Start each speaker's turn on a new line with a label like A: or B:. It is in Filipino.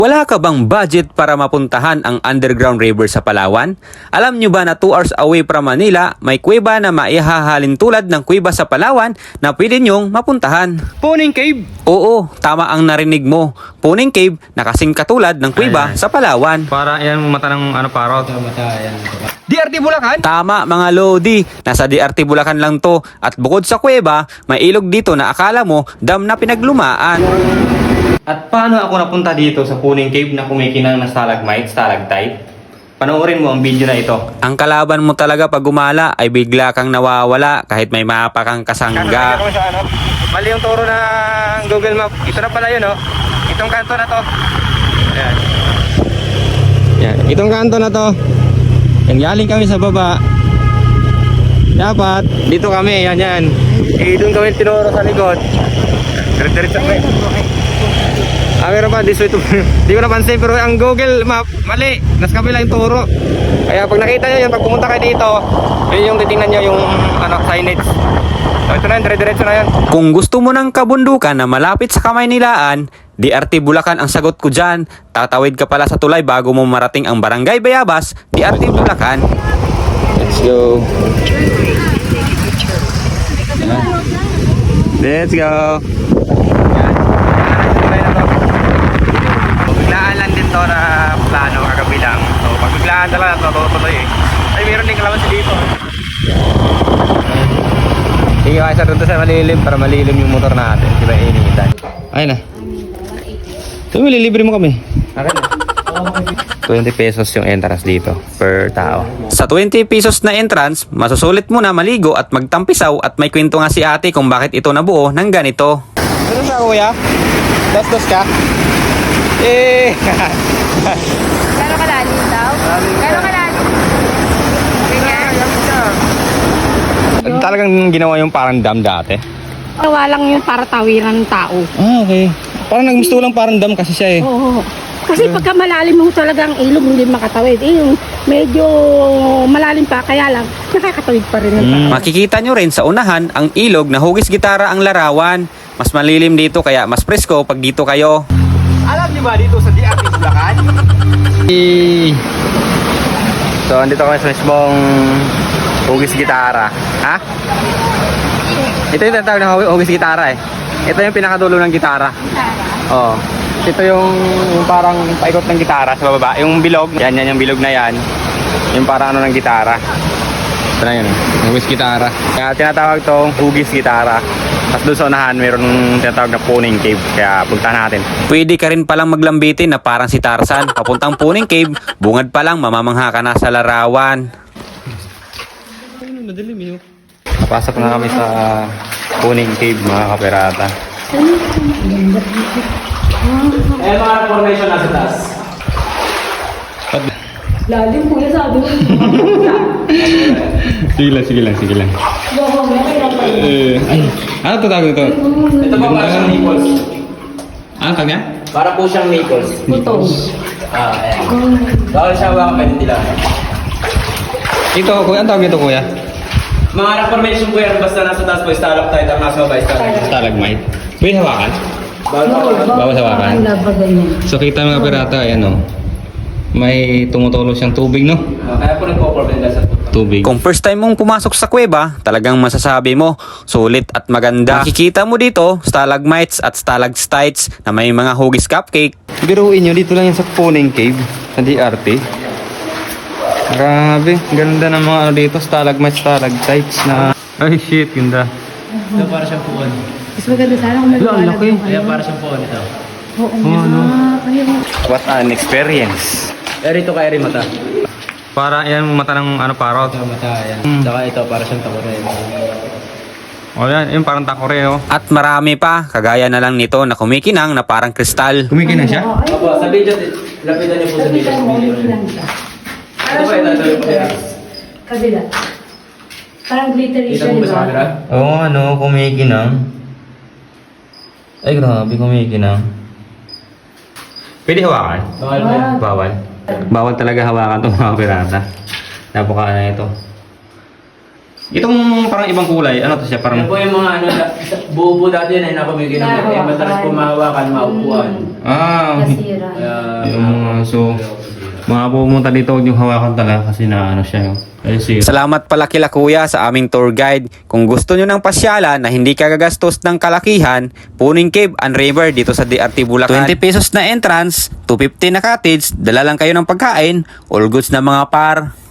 A: Wala ka bang budget para mapuntahan ang underground river sa Palawan? Alam nyo ba na 2 hours away from Manila, may kuweba na maihahalin tulad ng kuweba sa Palawan na pwede nyong mapuntahan?
B: Puning Cave?
A: Oo, tama ang narinig mo. Puning Cave na kasing katulad ng kuweba sa Palawan.
B: Para yan mata ng parot. Mata yan. DRT Bulacan?
A: Tama mga Lodi, nasa DRT Bulacan lang to. At bukod sa kuweba, may ilog dito na akala mo dam na pinaglumaan.
B: At paano ako napunta dito sa Puning Cave na kumikinang na stalagmite, stalactite? Panoorin mo ang video na ito.
A: Ang kalaban mo talaga pag gumala ay bigla kang nawawala kahit may mapa kang kasangga.
B: Mali yung turo ng Google Map. Ito na pala yun, oh. Itong kanto na to. Ayan. Yan. Itong kanto na to. Yan, galing kami sa baba. Dapat, dito kami, yan. Eh, doon kami tinuro sa likod. Diretso kami. Meron pa, this way to... Di ko napansin, pero ang Google Map, mali. Nas kabila yung turo. Kaya pag nakita nyo yun, pag pumunta kayo dito, yun yung titingnan nyo yung signage. So ito na yun, dire-diretso na yun.
A: Kung gusto mo ng kabundukan na malapit sa kamay nilaan, DRT Bulacan ang sagot ko dyan. Tatawid ka pala sa tulay bago mo marating ang Barangay Bayabas, DRT Bulacan.
B: Let's go. Let's go. Biglaan lang din to na plano kagabi lang. So pag biglaan talaga tutuloy eh. Ay meron din kalamansi dito. Sige kaya doon sa malilim para malilim yung motor natin. Diba iniitan. Ayun na. So malilibre mo kami. Akin na. 20 pesos yung entrance dito per tao.
A: Sa 20 pesos na entrance, masusulit mo na maligo at magtampisaw at may kwento nga si ate kung bakit ito nabuo ng ganito.
B: Ano sa kuya? Dos ka? Eh!
C: Gano'ng kalalim daw? Gano'ng kalalim? Ganyan?
B: Talagang ginawa yung parang dam dati?
C: Gawa lang yun para tawiran ng tao.
B: Ah, okay. Parang nagmisto lang parang dam kasi siya eh.
C: Oo. Kasi pagka malalim mo talaga ang ilog, hindi makatawid. Yung medyo malalim pa, kaya lang nakakatawid pa rin ng tao.
A: Makikita nyo rin sa unahan ang ilog na hugis gitara ang larawan. Mas malilim dito kaya mas presko pag dito kayo.
B: Alam niyo ba dito sa DRT Bulacan? So, andito kami sa mismong hugis gitara. Ha? Ito yung tatawag na hugis gitara eh. Ito yung pinakadulo ng gitara. Oo. Ito yung parang paikot ng gitara sa baba. Yung bilog. Yan yung bilog na yan. Yung parang ano ng gitara. Ito na yun eh. Hugis gitara. Kaya tinatawag tong hugis gitara. Tapos doon sa unahan, mayroon tinatawag na Puning Cave. Kaya puntahan natin.
A: Pwede ka rin palang maglambitin na parang si Tarzan. Papuntang Puning Cave, bungad pa lang mamamangha ka na sa larawan.
B: Napasok na kami sa Puning Cave mga kaperata. Mga formation nasa taas.
C: Lalim po yan sabi mo.
B: Sige lang. Ay, ano ito tawag ito?
D: Ito po para siyang nipples.
B: Ano tawag niya?
D: Para po siyang nipples.
C: Putong.
D: Ayan. Bawal siya hawakan pwede nila.
B: Ito, kuya, ano tawag ito kuya?
D: Mga reformation po yan, basta nasa taas po, stalactite, ang nasa baba, stalactite.
B: Stalagmite. Pwede hawakan?
D: Bawal hawakan.
B: Bawal hawakan. So kita mga pirata, ayan o. May tumutulo siyang tubig, no?
D: Kaya po nagpo-problem dahil sa
B: Tubig.
A: Kung first time mong pumasok sa kuweba, talagang masasabi mo, sulit at maganda. Makikita mo dito, stalagmites at stalactites na may mga hugis cupcake.
B: Biruin nyo, dito lang yan sa Puning Cave, sa DRT. Grabe, ganda ng mga ano dito, stalagmites, stalactites na... Ay shit, ganda.
D: Ito para siyang puon.
C: Mas maganda sana kung
B: Ang laki.
D: Kaya para siyang puon ito.
C: Oo nga. Ayun.
B: What an experience.
D: Rito kay mata.
B: Para yan mata ng parot.
D: Yung mata, ayan. Saka ito para siyang takore.
B: O yan, yung parang takore, oh.
A: At marami pa, kagaya na lang nito na kumikinang na parang kristal.
B: Kumikinan siya?
D: Opo, sa video, lapitan niyo po sa video. Ito pa, ito po siya.
C: Kabila. Parang glittery
D: Kita
C: siya,
D: mo
C: di
D: ba sa
C: ba?
D: camera?
B: Oo, kumikinang. Ay, grabe, kumikinang. Pwede hawakan?
D: Bawal po yan.
B: Bawal. Bawal talaga hawakan itong mga pirata. Napaka na ito. Itong parang ibang kulay, ano to siya?
D: Yan
B: Parang...
D: po yung mga ano, buo po dati na nakumigil ng kaya madalas po mahawakan, maupuan.
C: Nasira.
D: Kaya,
B: So, mga pumunta dito, huwag yung hawakan talaga kasi na ano siya.
A: Salamat pala kila kuya sa aming tour guide. Kung gusto nyo ng pasyalan na hindi kagagastos ng kalakihan, Puning Cave and River dito sa DRT Bulacan. 20 pesos na entrance, 250 na cottage, dala lang kayo ng pagkain, all goods na mga par.